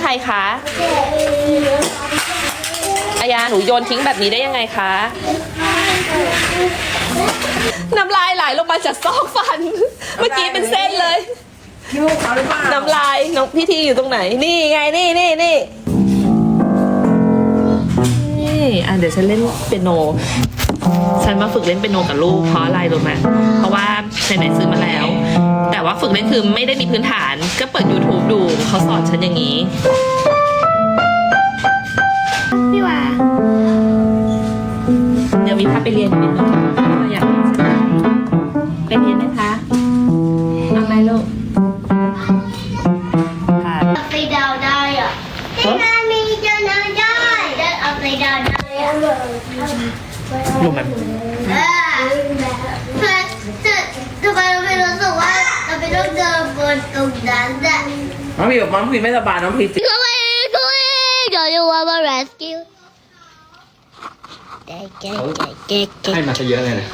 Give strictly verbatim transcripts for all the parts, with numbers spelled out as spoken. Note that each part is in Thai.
รคะอายาหนูโยนทิ้งแบบนี้ได้ยังไงคะน้ำลายไหลลงมาจากซอกฟันเมื่อกี้เป็นเส้นเลยน้ำลายน้องพี่ทีอยู่ตรงไหนนี่ไงนี่นี่นี่นี่อ่ะเดี๋ยวฉันเล่นเปียโนฉันมาฝึกเล่นเปียโนกับลูกเพราะอะไรรู้ไหมเพราะว่าไหนๆซื้อมาแล้วแต่ว่าฝึกเล่นคือไม่ได้มีพื้นฐานก็เปิด YouTube ดูเขาสอนฉันอย่างนี้พี่ว่าเดี๋ยวมีพาไปเรียนนิดนึงอยากไปเรียนไหมคะเอาไหมลูกค่ะอัพไซด์ดาวได้อ่ะที่นามีจะนอนได้ได้อัพไซด์ดาวได้อ่ะลูกมันเออเพื่อจะทำไมเราไม่รู้สึกว่าเราไม่ต้องเดินบนตรงนั้นอ่ะน้องพีบอกน้องพีไม่สบายน้องพีจิก็ไม่ก็ไม่เดี๋ยวจะว่ามา rescue เก๊กเก๊กเก๊กเก๊กให้มาซะเยอะเลยนะ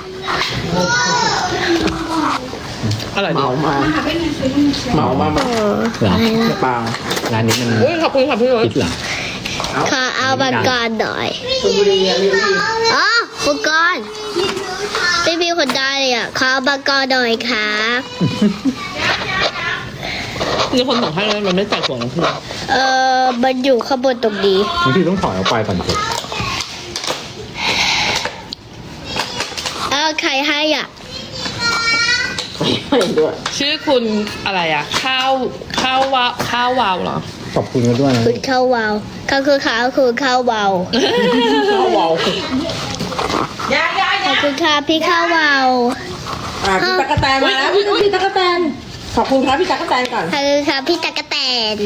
อร่อยดีเหมามาเหมามามาหรอเปล่าร้านนี้มันอุ้ยขอบคุณค่ะพี่โรสคิดเหรอขอเอาบังกรหน่อยชลบุรีอะพี่พี่อ๋อบังกรไม่มีคนได้เลยอ่ะขอเอาบังกรหน่อยครับมีคนบอกให้แล้วมันไม่ใส่ถั่วน้ำผึ้งเออมันอยู่ข้างบนตรงนี้บางทีต้องถอยออกไปก่อนสิเอาใครให้อ่ะไม่ด้วยชื่อคุณอะไรอ่ะข้าวข้าววาข้าววาวเหรอขอบคุณกันด้วยนะคุณข้าววาวข้าวคือข้าวคือข้าววาวข้าววาวขอบคุณค่ะพี่ข้าววาวอ่ะพี่ตั๊กแตนมาแล้วพี่พี่ตั๊กแตนขอบคุณครับพี่ตั๊กแตนก่อนขอบคุณค่ะพี่ตะกะแตน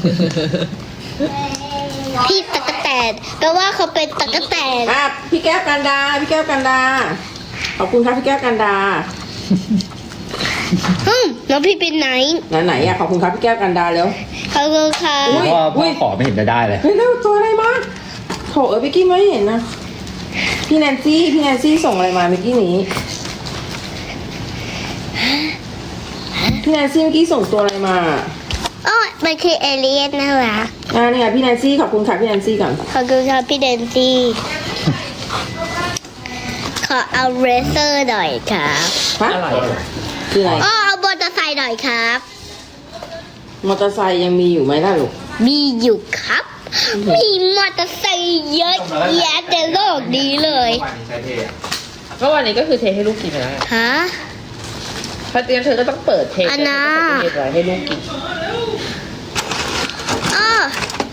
พี่ตะกะแตนแปลว่าเขาเป็นตะกะแตนอ่ะพี่แก้วกันดาพี่แก้วกันดาขอบคุณครับพี่แก้วกันดาฮึมน้องพี่เป็นไหนไหนไหนอ่ะขอบคุณครับพี่แก้วกันดาเร็วขอบคุณค่ะอุ๊ยพ่อพ่อขอไม่เห็นจะได้เลยเฮ้ยเร็วตัวอะไรมาโถเออพี่กี้ไม่เห็นนะพี่แนนซี่พี่แนนซี่ส่งอะไรมาเมื่อกี้นี้พี่แนนซี่เมื่อกี้ส่งตัวอะไรมาโอ้ยมันคือเอเลี่ยนนะวะอ่าเนี่ยพี่แนนซี่ขอบคุณค่ะพี่แนนซี่ก่อนขอบคุณค่ะพี่เดนซี่ขอเอาเรเซอร์หน่อยครับฮะอร่อยคืออะไรอ๋อเอามอเตอร์ไซค์หน่อยครับมอเตอร์ไซค์ยังมีอยู่ไหมล่ะลูกมีอยู่ครับ มีมอเตอร์ไซค์เยอะแยะในโลกนี้เลยก็วันนี้ก็คือเทให้ลูกกินไปแล้วฮะเพราะงั้นเธอก็ต้องเปิดเทอันน่ะเทไว้ให้ลูกกินอ้อ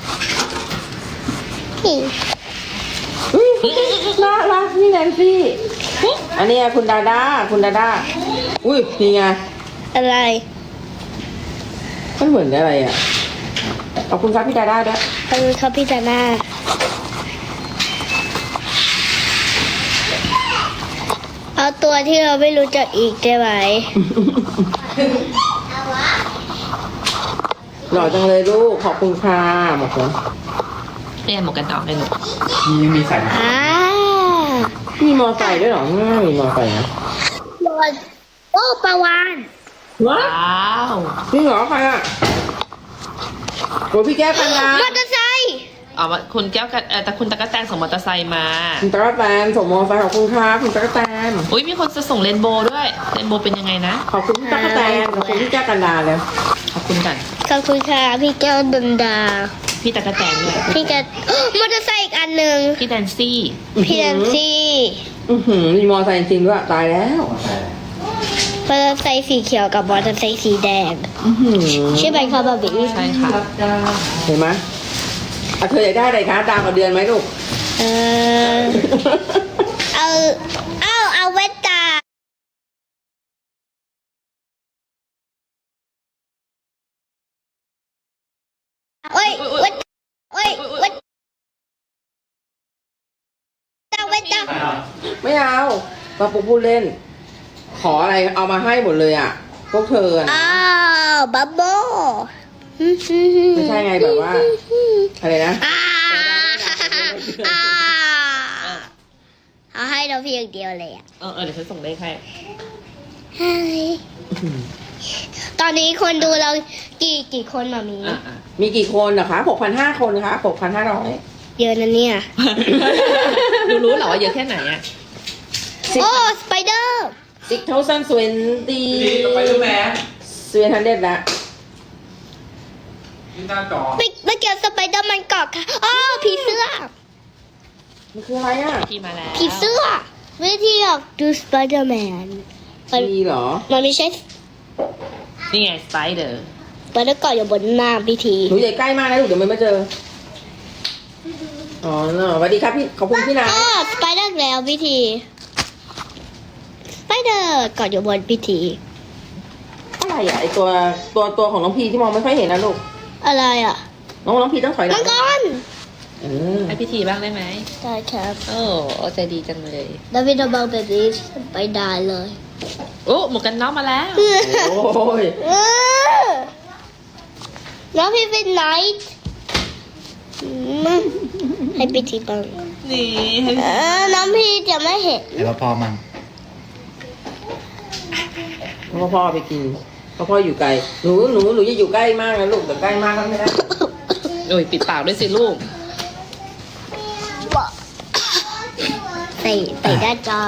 นี่อุ๊ยน่ารักพี่แนนซี่ อันนี้คุณดาดาคุณดาดาอุ้ยนี่ไงอะไรมันเหมือนอะไรอ่ะ ขอบคุณครับพี่ดาดาด้วยขอบคุณครับพี่จาน่าเอาตัวที่เราไม่รู้จักอีกได้ไหมหล่อจังเลยลูก ขอบคุณค่ะหมดคนเนี่ยหมวกกันน็อกเลยหนูมีมีใส่อ่ามีมอไซค์ด้วยเหรอไม่มีมอไซค์นะบอลโอ้ปลาวานว้าว้าวจริงเหรอใครอ่ะโอ้พี่แก้วกันดามอเตอร์ไซค์เอามาคุณแก้วกันเออแต่คุณตะกะแตนส่งมอเตอร์ไซค์มาคุณตั๊กแตนส่งมอไซค์ขอบคุณค่ะคุณตั๊กแตนอุ้ยมีคนจะส่งเรนโบว์ด้วยเรนโบว์เป็นยังไงนะขอบคุณพี่ตั๊กแตนขอบคุณพี่แก้วกันดาเลยขอบคุณกันขอบคุณค่ะพี่แก้วดันดาพี่ตะกะแตนด้วยพี่แกมอเตอร์ไซค์อีกอันหนึ่งพี่แดนซี่พี่แดนซี่อือหือมีมอไซค์จริงด้วยตายแล้วมอเตอร์ไซค์สีเขียวกับมอเตอร์ไซค์สีแดงอือหือใช่ไหมคะบาร์บี้ใช่ค่ะเห็นไหมอ่ะเธออยากได้อะไรคะดาวกับเดือนไหมลูกเออเอาเอาเอาเวตตาโอ้ยเวตโอ้ยเวตตาเวตตาไม่เอามาปุ๊บพูดเล่น ขออะไรเอามาให้หมดเลยอ่ะ พวกเธออะอ้าวบับโบไม่ใช่ไงแบบว่า อะไรนะอ่าอ่าเอาให้เราเพียงเดียวเลยอ่ะเออเออเดี๋ยวฉันส่งเลขให้ให้ตอนนี้คนดูเรากี่กี่คนมามีอ่ะอ่ะมีกี่คนนะคะหกพันห้าคนค่ะหกพันห้าร้อยเยอะนะเนี่ยดูรู้เหรอว่าเยอะแค่ไหนอ่ะโอ้สไปเดอร์ six thousand twenty ไปดูแม่ seven hundred ละที่หน้าจอไม่ไม่เกี่ยวสไปเดอร์มันเกาะค่ะอ๋อผีเสื้อมันคืออะไรอ่ะพี่มาแล้วผีเสื้อวิธีออกดูสไปเดอร์แมนมันมีเหรอมันไม่ใช่นี่ไงสไปเดอร์สไปเดอร์เกาะอยู่บนหน้าพิธีหนูใหญ่ใกล้มากนะลูกเดี๋ยวมันไม่เจอ อ๋อเนอะสวัสดีครับพี่ ขอบคุณพี่นายอ๋อสไปเดอร์แล้วพิธีสไปเดอร์เกาะอยู่บนพิธีอะไรอ่ะไอตัวตัวตัวของน้องพีที่มองไม่ค่อยเห็นนะลูกอะไรอ่ะน้องน้องพีต้องถอยหลัมังงกรเออให้พิธีบ้างได้ไหมได้ครับโอ้ใจดีจังเลยดาวิดเอาเบาแบบนี้ไปได้เลยโอ้หมวกกันน็อกมาแล้วโอ้ยเออน้องพี่เป็นไนท์อืมให้พิธีบ้างนี่เออน้องพี่จะไม่เห็นแล้วพอมันพ่อพ่อไปกินพ่อพ่ออยู่ไกล หนูหนูหนูจะอยู่ใกล้มากนะลูกแต่ใกล้มากก็ไม่ได้โอ้ยปิดปากด้วยสิลูกใส่ใส่ด้านจอ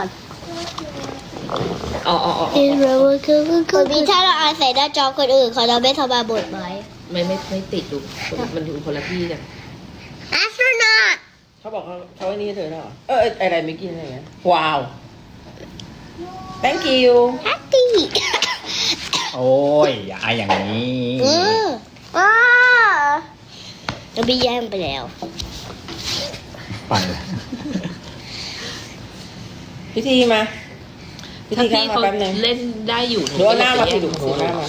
อ๋ออ๋ออ๋อคนพี่ถ้าเราอ่านใส่ด้านจอคนอื่นเขาจะไม่สบายบทไหมไม่ไม่ไม่ติดลูกมันอยู่คนละที่กัน astronaut เขาบอกเขาเขาไอ้นี่เธอเหรอ เออไออะไรไม่กินอะไรเงี้ยว้าว thank you happy โอ้ยอย่าอายอย่างนี้เออว้าเราไปแย่งไปแล้วไปเลยพิธีมา พิถ้าธีพี่ข้ามมาเขาแป๊บนึงเล่นได้อยู่หนูเอาหน้ามาสิดูดูหนูเอาหน้ามา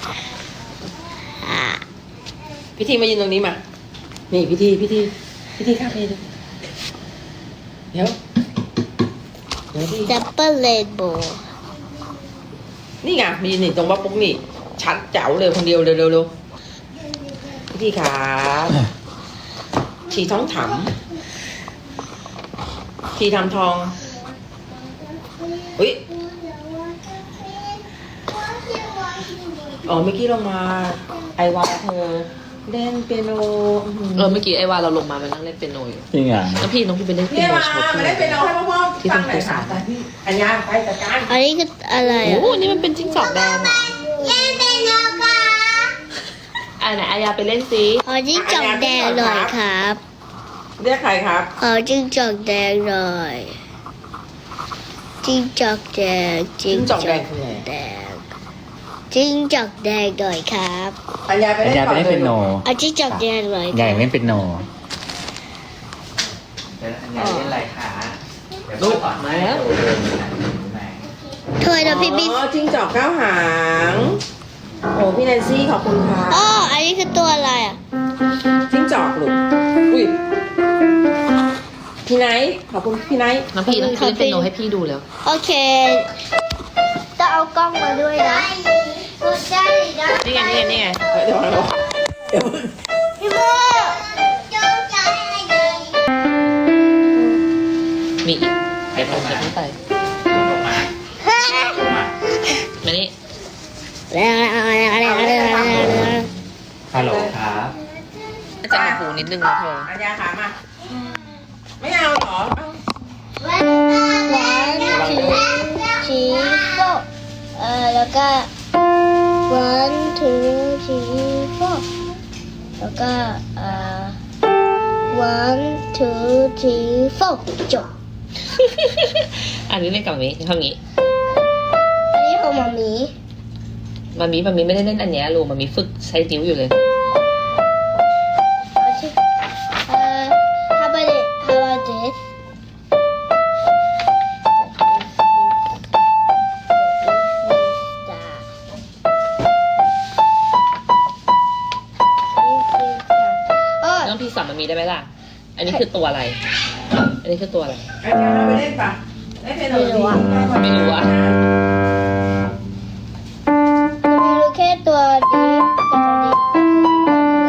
พิธีมายืนตรงนี้มา นี่พิธีพิธีพิธีข้ามไปดูเดี๋ยวเดี๋ยวพี่ double rainbow นี่ไงมีนี่ตรงบล็อกปุ๊กนี่ ชัดเจ๋วเลยคนเดียวเร็วเร็วเร็วพิธีขาชีท้องถำชีทำทองอุ้ยอ๋อเมื่อกี้ลงมาไอวาเธอเล่นเปียโนเออเมื่อกี้ไอ้ว่าเราลงมามันนั่งเล่นเปียโนอยู่จริงอ่ะแล้วพี่น้องพี่ไปเล่นเปีเนี่ย ยโนมาโชว์มาพี่เล่นเปียโนให้พ่อๆฟังหน่อยค่ะอัญญาไปจัดการอันนี้คืออะไรโอ้อ่ะโหนี่มันเป็นจิ้งจอกแดงเหรอเล่นเป็นโนกาอ่ะไหนอายาไปเล่นสิขอจิ้งจอกแดงหน่อยครับเรียกใครครับขอจิ้งจอกแดงหน่อยจิ้งจอกแดงจิ้งจอกแดงจิ้งจอกแดงหน่อยครับอัญญาไปอันเล่นยาก่ไปอนเล่นเป็นโนเอาจิ้งจอกแดงหน่อยใหญ่เล่นเป็นโนลูกมาแล้วเธอนะพี่บิ๊กอ๋อจิ้งจอกเก้าหาง โอ้พี่แนนซี่ขอบคุณค่ะอ๋ออันนี้คือตัวอะไรอ่ะจิ้งจอกลูกอุ้ยพี่ไนท์ขอบคุณพี่ไนท์น้องพี่น้องพี่เล่นเปียโนให้พี่ดูแล้วโอเคต้องเอากล้องมาด้วยนะนี่ไงนี่ไงนี่ไงเดี๋ยวเราเดี๋ยวพี่โมมีอีกเดี๋ยวผมจะพูดไปมานี่ฮัลโหลครับน่าจะมีหูนิดนึงนะเธออัญญาขามา ไม่เอาเหรอเอาวันทีทีโฟเอ่อแล้วก็ one two three four แล้วก็เอ่อ one two three four จบอันนี้เล่นกับมามีทำงี้อันนี้ของมามีมามีมามีไม่ได้เล่นอันเนี้ยลูกมามีฝึกใช้นิ้วอยู่เลยเอาสิเอ่อ how about it how about thisอ๋อน้องพี่สอนมามีได้ไหมล่ะ อันนี้คือตัวอะไร อันนี้คือตัวอะไรอัญญาไปเล่นปะเล่นเป็นหนูดีไม่รู้อะมีรู้แค่ตัวนี้กับตัวนี้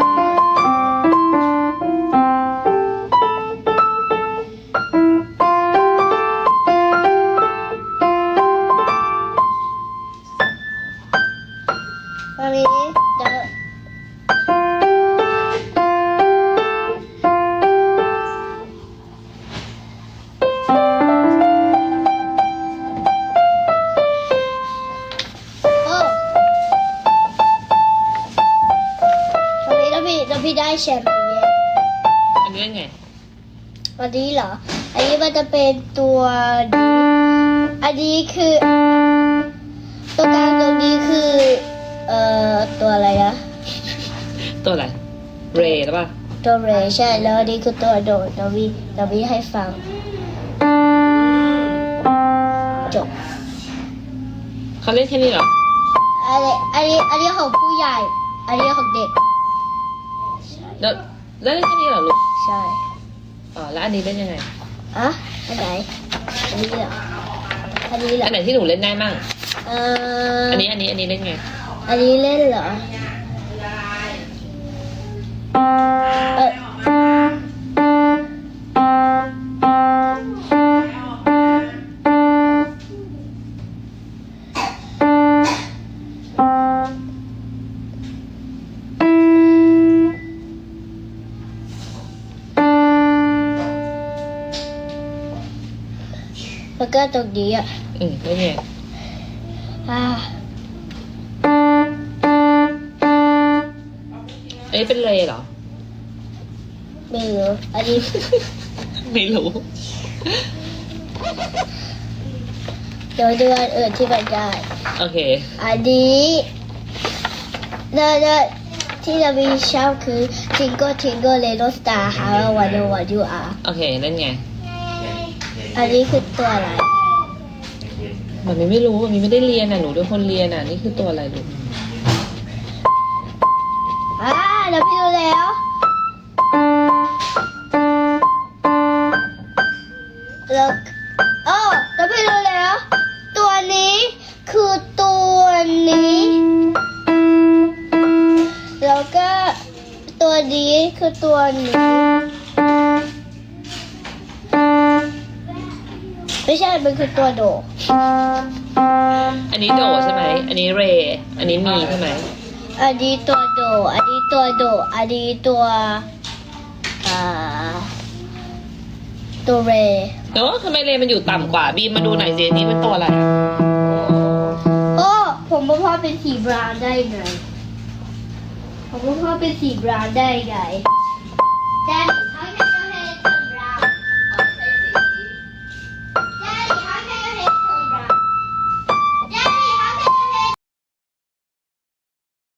แชมเปี้ยนอันนี้เป็นไงอันนี้เหรอ อันนี้มันจะเป็นตัวนี้ อันนี้คือตัวกลางตรงนี้คือ เอ่อ ตัวอะไรนะตัวอะไร เรย์หรือเปล่าตัวเรย์ใช่ แล้วอันนี้คือตัวโดดเราวีเราวีให้ฟัง จบเขาเล่นแค่นี้เหรออันนี้ อันนี้ อันนี้ของผู้ใหญ่ อันนี้ของเด็กแล้วแล้วเล่นแค่นี้เหรอลูกใช่อ๋อ แล้วอันนี้เล่นยังไงอะอันไหน อันนี้เหรอ อันนี้เหรออันไหนที่หนูเล่นได้มั่งเอ่ออัอันนี้ อันนี้ อันนี้เล่นไงอันนี้เล่นเหรอ เออแล้วก็ตรงนี้อ่ะอืมเล่นไงอ่าอันนี้เป็นเรย์เหรอไม่รู้ อันนี้ไม่รู้เดี๋ยวดูอันอื่นที่มันได้โอเคอันนี้แล้วแล้วที่เรามีชอบคือ Tingle Tingle Little Star How I Wonder What You Are โอเค เล่นไงอันนี้คือตัวอะไรมันไม่รู้มันไม่ได้เรียนอ่ะ หนูเป็นคนเรียนอ่ะ นี่คือตัวอะไรลูกอ่าเราไปดูแล้วแล้วโอ้เราไปดูแล้ว ตัวนี้คือตัวนี้ แล้วก็ตัวนี้คือตัวนี้ ไม่ใช่ มันคือตัวโดอันนี้โดใช่ไหม อันนี้เรย์อันนี้มีใช่ไหมอันนี้ตัวโด อันนี้ตัวโด อันนี้ตัวอ่าตัวเรเนอะทำไมเรย์มันอยู่ต่ำกว่า บีมมาดูหน่อยสิอันนี้เป็นตัวอะไรอะโอ้ ผมว่าพ่อเป็นสีบราวน์ได้ไง ผมว่าพ่อเป็นสีบราวน์ได้ไง That